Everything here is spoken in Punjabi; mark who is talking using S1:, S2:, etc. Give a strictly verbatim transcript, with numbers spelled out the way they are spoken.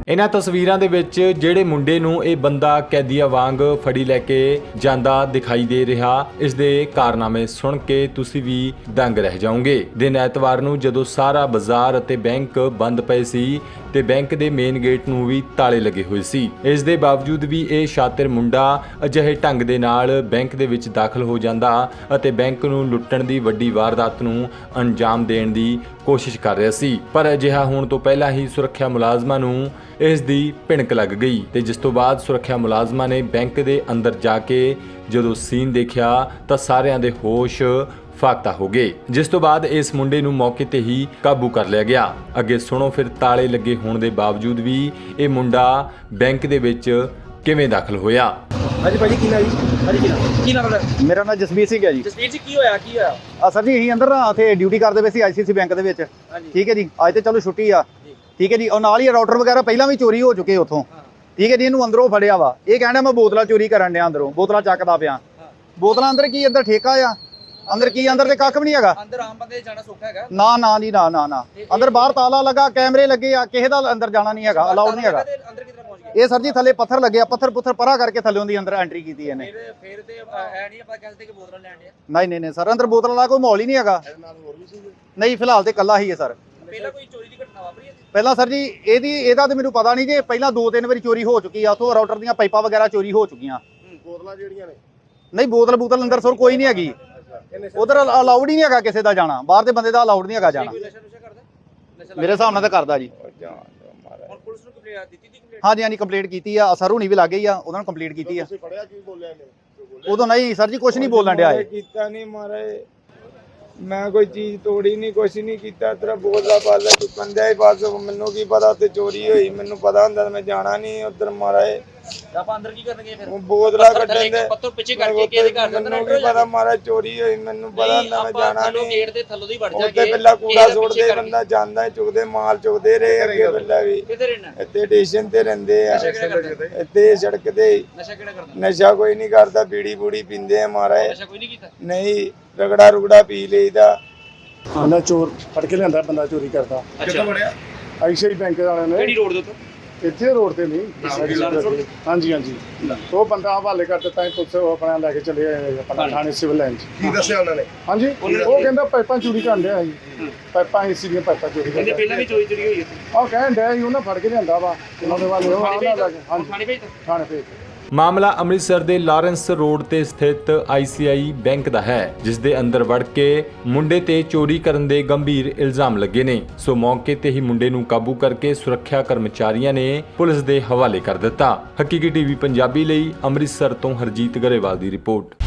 S1: ਇਹਨਾਂ ਤਸਵੀਰਾਂ ਦੇ ਵਿੱਚ ਜਿਹੜੇ ਮੁੰਡੇ ਨੂੰ ਇਹ ਬੰਦਾ ਕੈਦੀਆਂ ਵਾਂਗ ਫੜੀ ਲੈ ਕੇ ਜਾਂਦਾ ਦਿਖਾਈ ਦੇ ਰਿਹਾ, ਇਸ ਦੇ ਕਾਰਨਾਮੇ ਸੁਣ ਕੇ ਤੁਸੀਂ ਵੀ ਦੰਗ ਰਹਿ ਜਾਓਗੇ। ਦਿਨ ਐਤਵਾਰ ਨੂੰ ਜਦੋਂ ਸਾਰਾ ਬਾਜ਼ਾਰ ਅਤੇ ਬੈਂਕ ਬੰਦ ਪਏ ਸੀ ਤੇ ਬੈਂਕ ਦੇ ਮੇਨ ਗੇਟ ਨੂੰ ਵੀ ਤਾਲੇ ਲੱਗੇ ਹੋਏ ਸੀ, ਇਸ ਦੇ ਬਾਵਜੂਦ ਵੀ ਇਹ ਸ਼ਾਤਿਰ ਮੁੰਡਾ ਅਜਿਹੇ ਢੰਗ ਦੇ ਨਾਲ ਬੈਂਕ ਦੇ ਵਿੱਚ ਦਾਖਲ ਹੋ ਜਾਂਦਾ ਅਤੇ ਬੈਂਕ ਨੂੰ ਲੁੱਟਣ ਦੀ ਵੱਡੀ ਵਾਰਦਾਤ ਨੂੰ ਅੰਜਾਮ ਦੇਣ ਦੀ ਕੋਸ਼ਿਸ਼ ਕਰ ਰਿਹਾ ਸੀ। ਪਰ ਅਜਿਹਾ ਹੋਣ ਤੋਂ ਪਹਿਲਾਂ ਹੀ ਸੁਰੱਖਿਆ ਮੁਲਾਜ਼ਮਾਂ ਨੂੰ ਇਸ ਦੀ ਭਿਣਕ ਲੱਗ ਗਈ ਤੇ ਜਿਸ ਤੋਂ ਬਾਅਦ ਸੁਰੱਖਿਆ ਮੁਲਾਜ਼ਮਾਂ ਨੇ ਬੈਂਕ ਦੇ ਅੰਦਰ ਜਾ ਕੇ ਜਦੋਂ ਸੀਨ ਦੇਖਿਆ ਤਾਂ ਸਾਰਿਆਂ ਦੇ ਹੋਸ਼ ਫਾਕਤਾ ਹੋ ਗਏ, ਜਿਸ ਤੋਂ ਬਾਅਦ ਇਸ ਮੁੰਡੇ ਨੂੰ ਮੌਕੇ ਤੇ ਹੀ ਕਾਬੂ ਕਰ ਲਿਆ ਗਿਆ। ਅੱਗੇ ਸੁਣੋ ਫਿਰ ਤਾਲੇ ਲੱਗੇ ਹੋਣ ਦੇ ਬਾਵਜੂਦ ਵੀ ਇਹ ਮੁੰਡਾ ਬੈਂਕ ਦੇ ਵਿੱਚ ਕਿਵੇਂ ਦਾਖਲ ਹੋਇਆ।
S2: ਹਾਂਜੀ ਭਾਜੀ ਕੀ ਨਾਮ ਜੀ? ਹਾਂਜੀ ਕੀ ਨਾਮ? ਕੀ ਨਾਮ ਹੈ?
S3: ਮੇਰਾ ਨਾਮ ਜਸਵੀਰ ਸਿੰਘ ਹੈ ਜੀ।
S2: ਜਸਵੀਰ ਜੀ ਕੀ ਹੋਇਆ ਕੀ ਹੋਇਆ?
S3: ਆ ਸਰ ਜੀ ਅਸੀਂ ਅੰਦਰ ਨਾ ਉੱਥੇ ਡਿਊਟੀ ਕਰਦੇ ਪਏ ਸੀ ਆਈਸੀਸੀ ਬੈਂਕ ਦੇ ਵਿੱਚ। ਠੀਕ ਹੈ ਜੀ, ਅੱਜ ਤੇ ਚਲੋ ਛੁੱਟੀ ਆ। ਠੀਕ ਹੈ ਜੀ, ਔਰ ਨਾਲ ਹੀ ਰਾਊਟਰ ਵਗੈਰਾ ਪਹਿਲਾਂ ਵੀ ਚੋਰੀ ਹੋ ਚੁੱਕੇ ਉੱਥੋਂ। ਠੀਕ ਹੈ ਜੀ, ਇਹਨੂੰ ਅੰਦਰੋਂ ਫੜਿਆ ਵਾ, ਇਹ ਕਹਿੰਦਾ ਮੈਂ ਬੋਤਲਾਂ ਚੋਰੀ ਕਰਨ ਡਿਆ, ਅੰਦਰੋਂ ਬੋਤਲਾਂ ਚੱਕਦਾ ਪਿਆ। ਬੋਤਲਾਂ ਅੰਦਰ ਕੀ ਅੰਦਰ ਠੇਕਾ ਆ? ਅੰਦਰ ਕੀ ਅੰਦਰ ਤੇ ਕੱਖ ਵੀ ਨਹੀਂ ਹੈਗਾ।
S2: ਅੰਦਰ ਆਮ ਬੰਦੇ ਜਾਣਾ ਸੌਖਾ ਹੈਗਾ? ਨਾ
S3: ਨਾ ਜੀ ਨਾ ਨਾ ਨਾ ਅੰਦਰ ਬਾਹਰ ਤਾਲਾ ਲੱਗਾ, ਕੈਮਰੇ ਲੱਗੇ ਆ, ਕਿਸੇ ਦਾ ਅੰਦਰ ਜਾਣਾ ਨਹੀਂ ਹੈਗਾ, ਅਲਾਉਡ ਨਹੀਂ ਹੈਗਾ।
S2: ਅੰਦਰ ਕਿੱਧਰ ਪਹੁੰਚ ਗਏ?
S3: ਇਹ ਸਰ ਜੀ ਥੱਲੇ ਪੱਥਰ ਲੱਗੇ ਆ, ਪੱਥਰ ਪੁੱਥਰ ਪਰਾ ਕਰਕੇ ਥੱਲੇ ਦੀ ਅੰਦਰ ਐਂਟਰੀ ਕੀਤੀ ਇਹਨੇ।
S2: ਫਿਰ ਫਿਰ ਤੇ ਐ ਨਹੀਂ ਆਪਾਂ ਕਹਿੰਦੇ ਕਿ ਬੋਤਲਾਂ ਲੈਣ ਡਿਆ?
S3: ਨਹੀਂ ਨਹੀਂ ਨਹੀਂ ਸਰ, ਅੰਦਰ ਬੋਤਲਾਂ ਦਾ ਕੋਈ ਮਾਹੌਲ ਹੀ ਨਹੀਂ ਹੈਗਾ। ਨਹੀਂ ਫਿਲਹਾਲ ਤੇ ਇਕੱਲਾ ਹੀ ਹੈ ਸਰ।
S2: ਪਹਿਲਾਂ ਕੋਈ ਚੋਰੀ ਦੀ ਘਟਨਾ ਵਾਪਰੀ ਹੈ?
S3: ਪਹਿਲਾਂ ਸਰ ਜੀ ਇਹਦੀ ਇਹਦਾ ਤੇ ਮੈਨੂੰ ਪਤਾ ਨਹੀਂ ਜੀ, ਪਹਿਲਾਂ ਦੋ ਤਿੰਨ ਵਾਰੀ ਚੋਰੀ ਹੋ ਚੁੱਕੀ ਆ, ਉੱਥੋਂ ਰਾਊਟਰ ਦੀਆਂ ਪਾਈਪਾਂ ਵਗੈਰਾ ਚੋਰੀ ਹੋ ਚੁੱਕੀਆਂ।
S2: ਬੋਤਲਾਂ ਜਿਹੜੀਆਂ ਨੇ?
S3: ਨਹੀਂ ਬੋਤਲ ਬੋਤਲ ਅੰਦਰ ਸਰ ਕੋਈ ਨਹੀਂ ਹੈਗੀ, ਉਧਰ ਅਲਾਉਡ ਹੀ ਨਹੀਂ ਹੈਗਾ ਕਿਸੇ ਦਾ ਜਾਣਾ, ਬਾਹਰ ਦੇ ਬੰਦੇ ਦਾ ਅਲਾਉਡ ਨਹੀਂ ਹੈਗਾ ਜਾਣਾ। ਮੇਰੇ ਹਿਸਾਬ ਨਾਲ ਤਾਂ ਕਰਦਾ ਜੀ।
S2: ਹੁਣ ਪੁਲਿਸ ਨੂੰ ਕੰਪਲੇਂਟ ਦਿੱਤੀ ਦੀ?
S3: ਹਾਂਜੀ ਹਾਂਜੀ ਕੰਪਲੀਟ ਕੀਤੀ ਆ, ਸਰ ਹੁਣੀ ਵੀ ਲੱਗ ਗਈ ਆ, ਉਹਨਾਂ ਨੂੰ ਕੰਪਲੀਟ ਕੀਤੀ ਆ। ਉਦੋਂ ਨਹੀਂ ਸਰ ਜੀ ਕੁਝ ਨਹੀਂ ਬੋਲਣ ਡਿਆ ਇਹ।
S4: ਕੀਤਾ ਨਹੀਂ ਮਾਰੇ, ਮੈਂ ਕੋਈ ਚੀਜ਼ ਤੋੜੀ ਨਹੀਂ, ਕੁਛ ਨਹੀਂ ਕੀਤਾ। ਤੇਰਾ ਬੋਲਦਾ ਪਾਲਾ ਚੁੱਕਣ ਦਿਆ ਹੀ ਬਸ। ਮੈਨੂੰ ਕੀ ਪਤਾ ਉੱਥੇ ਚੋਰੀ ਹੋਈ, ਮੈਨੂੰ ਪਤਾ ਹੁੰਦਾ ਮੈਂ ਜਾਣਾ ਨਹੀਂ ਉੱਧਰ ਮਾਰੇ।
S2: ਆਪਾਂ ਅੰਦਰ ਕੀ ਕਰਨਗੇ ਫਿਰ?
S4: ਬੋਤਲਾਂ ਕੱਢਣ ਦੇ
S2: ਪੱਤਰ ਪਿੱਛੇ ਕਰਕੇ ਕਿਹਦੇ ਘਰ ਦੇ ਅੰਦਰ
S4: ਮੈਨੂੰ ਕੀ ਪਤਾ ਮਾਰਾ ਚੋਰੀ ਹੋਈ, ਮੈਨੂੰ ਪਤਾ ਹੁੰਦਾ ਮੈਂ ਜਾਣਾ ਨਹੀਂ।
S2: ਗੇਟ ਦੇ ਥੱਲੋਂ ਦੀ ਵੜ ਜਾਗੇ।
S4: ਉੱਥੇ ਪਹਿਲਾਂ ਕੂੜਾ ਸੁੱਟਦੇ, ਬੰਦਾ ਜਾਂਦਾ ਚੁੱਕਦੇ ਮਾਲ ਚੁੱਕਦੇ ਰਹੇ ਅੱਗੇ ਪਹਿਲਾਂ ਵੀ।
S2: ਕਿੱਥੇ ਰਹਿਣਾ?
S4: ਇੱਥੇ ਸਟੇਸ਼ਨ ਤੇ ਰਹਿੰਦੇ ਆ, ਇੱਥੇ ਸੜਕ ਤੇ।
S2: ਨਸ਼ਾ ਕਿਹੜਾ ਕਰਦਾ?
S4: ਨਸ਼ਾ ਕੋਈ ਨਹੀਂ ਕਰਦਾ, ਬੀੜੀ ਬੂੜੀ ਪੀਂਦੇ ਆ ਮਾਰੇ।
S2: ਨਸ਼ਾ ਕੋਈ ਨਹੀਂ ਕੀਤਾ?
S4: ਨਹੀਂ, ਰਗੜਾ ਰੁਗੜਾ ਪੀ ਲਈਦਾ।
S5: ਬੰਦਾ ਚੋਰ ਫੜ ਕੇ ਲਿਆਂਦਾ, ਬੰਦਾ ਚੋਰੀ ਕਰਦਾ।
S2: ਕਿੱਥੋਂ ਵੜਿਆ?
S5: ਆਈਸੀਆਈ ਬੈਂਕ ਵਾਲਿਆਂ ਨੇ।
S2: ਕਿਹੜੀ ਰੋਡ ਦੇ ਉੱਤੇ?
S5: ਇੱਥੇ ਰੋਡ ਤੇ ਨਹੀਂ। ਹਾਂਜੀ ਹਾਂਜੀ, ਉਹ ਬੰਦਾ ਹਵਾਲੇ ਕਰ ਦਿੱਤਾ, ਪੁਲਿਸ ਆਪਣਾ ਲੈ ਕੇ ਚਲੇ ਆਏ ਆਪਣਾ ਥਾਣੇ ਸਿਵਲ ਲਾਈਨ 'ਚ।
S6: ਕੀ ਦੱਸਿਆ ਉਹਨਾਂ ਨੇ?
S5: ਹਾਂਜੀ, ਉਹ ਕਹਿੰਦਾ ਪਾਈਪਾਂ ਚੋਰੀ ਕਰਨ ਡਿਆ ਸੀ, ਪਾਈਪਾਂ ਏਸੀ ਦੀਆਂ ਪਾਈਪਾਂ ਚੋਰੀ ਕਰਦੇ।
S2: ਪਹਿਲਾਂ ਵੀ ਚੋਰੀ ਚੋਰੀ ਹੋਈ ਹੈ?
S5: ਉਹ ਕਹਿਣ ਡਿਆ ਸੀ ਉਹਨਾਂ ਫੜ ਕੇ ਲਿਆਂਦਾ ਵਾ, ਉਹਨਾਂ ਦੇ ਵਾਲੇ ਉਹ ਹਾਂਜੀ
S2: ਥਾਣੇ ਭੇਜ
S5: ਥਾਣੇ ਭੇਜ ਦਿੱਤਾ।
S1: ਮਾਮਲਾ ਅੰਮ੍ਰਿਤਸਰ ਦੇ ਲਾਰੈਂਸ ਰੋਡ ਤੇ ਸਥਿਤ ਆਈਸੀਆਈ ਬੈਂਕ ਦਾ ਹੈ, ਜਿਸ ਦੇ ਅੰਦਰ ਵੜ ਕੇ ਮੁੰਡੇ ਤੇ ਚੋਰੀ ਕਰਨ ਦੇ ਗੰਭੀਰ ਇਲਜ਼ਾਮ ਲੱਗੇ ਨੇ। ਸੋ ਮੌਕੇ ਤੇ ਹੀ ਮੁੰਡੇ ਨੂੰ ਕਾਬੂ ਕਰਕੇ ਸੁਰੱਖਿਆ ਕਰਮਚਾਰੀਆਂ ਨੇ ਪੁਲਿਸ ਦੇ ਹਵਾਲੇ ਕਰ ਦਿੱਤਾ। ਹਕੀਕੀ ਟੀਵੀ ਪੰਜਾਬੀ ਲਈ ਅੰਮ੍ਰਿਤਸਰ ਤੋਂ ਹਰਜੀਤ ਗਰੇਵਾਲ ਦੀ ਰਿਪੋਰਟ।